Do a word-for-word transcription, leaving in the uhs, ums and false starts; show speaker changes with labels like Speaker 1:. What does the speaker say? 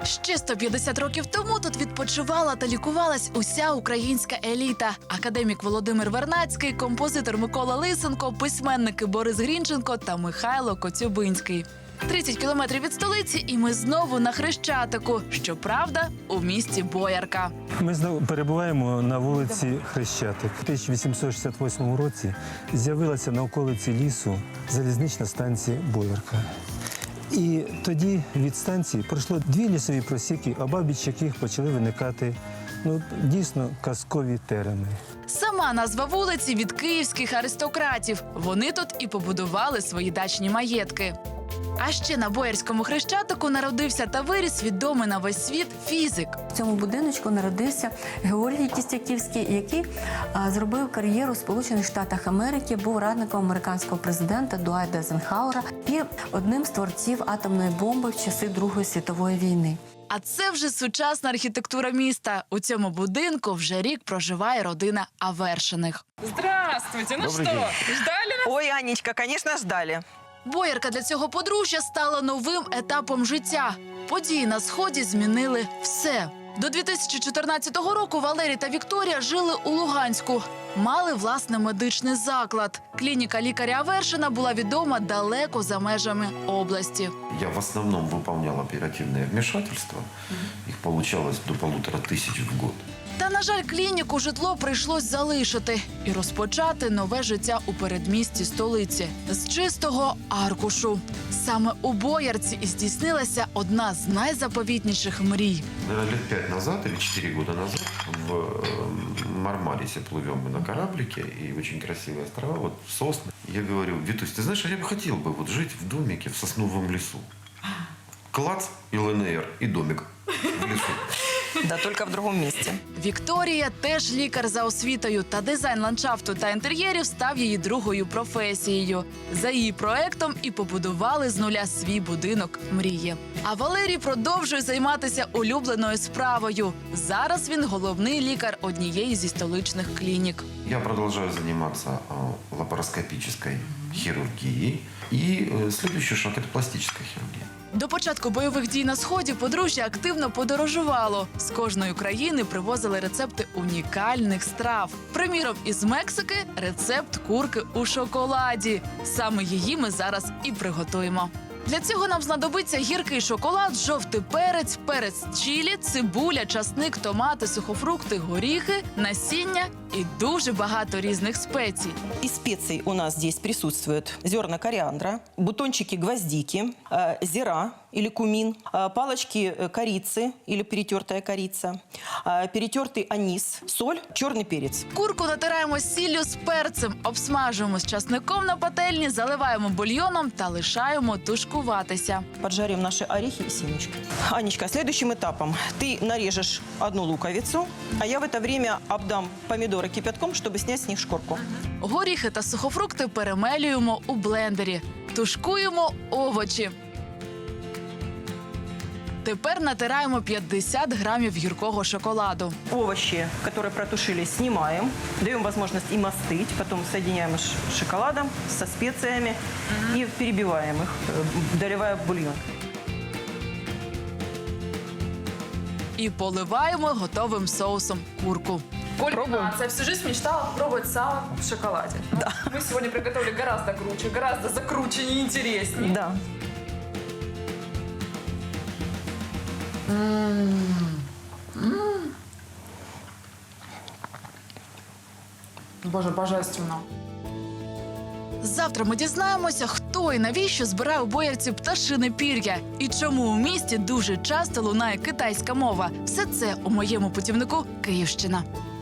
Speaker 1: Ще сто п'ятдесят років тому тут відпочивала та лікувалась уся українська еліта. Академік Володимир Вернадський, композитор Микола Лисенко, письменники Борис Грінченко та Михайло Коцюбинський. тридцять кілометрів від столиці, і ми знову на Хрещатику. Щоправда, у місті Боярка.
Speaker 2: Ми знову перебуваємо на вулиці Хрещатик. У тисяча вісімсот шістдесят восьмому році з'явилася на околиці лісу залізнична станція Боярка. І тоді від станції пройшло дві лісові просіки, обабіч яких почали виникати ну, дійсно казкові терени.
Speaker 1: Сама назва вулиці від київських аристократів. Вони тут і побудували свої дачні маєтки. А ще на Боярському Хрещатику народився та виріс відомий на весь світ фізик.
Speaker 3: В цьому будиночку народився Георгій Кістяківський, який а, зробив кар'єру в Сполучених Штатах Америки, був радником американського президента Дуайта Ейзенхауера і одним з творців атомної бомби в часи Другої світової війни.
Speaker 1: А це вже сучасна архітектура міста. У цьому будинку вже рік проживає родина Авершиних.
Speaker 4: Здравствуйте, ну
Speaker 5: Добрый
Speaker 4: что,
Speaker 5: день.
Speaker 4: ждали нас?
Speaker 6: Ой, Анечка, конечно, ждали.
Speaker 1: Боярка для цього подружжя стала новим етапом життя. Події на Сході змінили все. До дві тисячі чотирнадцятого року Валерій та Вікторія жили у Луганську. Мали власний медичний заклад. Клініка лікаря Авершина була відома далеко за межами області.
Speaker 5: Я в основном выполнял оперативные вмешательства. Их получалось до полутора тысяч в год.
Speaker 1: Та, на жаль, клініку житло прийшлось залишити і розпочати нове життя у передмісті столиці з чистого аркушу. Саме у Боярці і здійснилася одна з найзаповітніших мрій.
Speaker 5: Наверное, лет пять назад или четыре года назад в э, Мармарисе плывем мы на кораблике, и очень красивые острова, вот сосны. Я говорю: Витусь, ты знаешь, а я бы хотел бы вот жить в домике в сосновом лесу. Клац, и ЛНР, и домик в лесу.
Speaker 6: Да, только в другом месте.
Speaker 1: Вікторія теж лікар за освітою, та дизайн ландшафту та інтер'єрів став її другою професією. За її проектом і побудували з нуля свій будинок мрії. А Валерій продовжує займатися улюбленою справою. Зараз він головний лікар однієї зі столичних клінік.
Speaker 5: Я продолжаю заниматься э, лапароскопической хирургией. И э, следующий шаг – это пластическая хирургия.
Speaker 1: До початку бойових дій на Сході подружжя активно подорожувало. З кожної країни привозили рецепти унікальних страв. Приміром, із Мексики – рецепт курки у шоколаді. Саме її ми зараз і приготуємо. Для цього нам знадобиться гіркий шоколад, жовтий перець, перець чилі, цибуля, часник, томати, сухофрукти, горіхи, насіння і дуже багато різних спецій.
Speaker 6: Из специй у нас здесь присутствуют зерна кориандра, бутончики гвоздики, э, зира или кумин, э, палочки э, корицы или перетертая корица, э, перетертый анис, соль, черный перец.
Speaker 1: Курку натираємо сіллю з перцем, обсмажуємо з часником на пательні, заливаємо бульйоном та лишаємо тушкуватися.
Speaker 6: Поджарим наши орехи и семечки. Анечка, следующим этапом ты нарежешь одну луковицу, а я в это время обдам помидоры кипятком, чтобы снять с них шкурку.
Speaker 1: Горіхи та сухофрукти перемелюємо у блендері. Тушкуємо овочі. Тепер натираємо п'ятдесят грамів гіркого шоколаду.
Speaker 6: Овощи, которые протушились, снимаем. Даем возможность им остыть. Потом соединяем с шоколадом, со специями и перебиваем их, э, доливая в бульон.
Speaker 1: І поливаємо готовим соусом курку.
Speaker 4: Кульминация. Всю жизнь мечтала пробовать сало в шоколаде. Да. Мы сегодня приготовили гораздо круче, гораздо закруче и интереснее.
Speaker 6: Да.
Speaker 4: Боже, божественно.
Speaker 1: Завтра ми дізнаємося, хто і навіщо збирає у Боярці пташине пір'я. І чому у місті дуже часто лунає китайська мова. Все це у моєму путівнику «Київщина».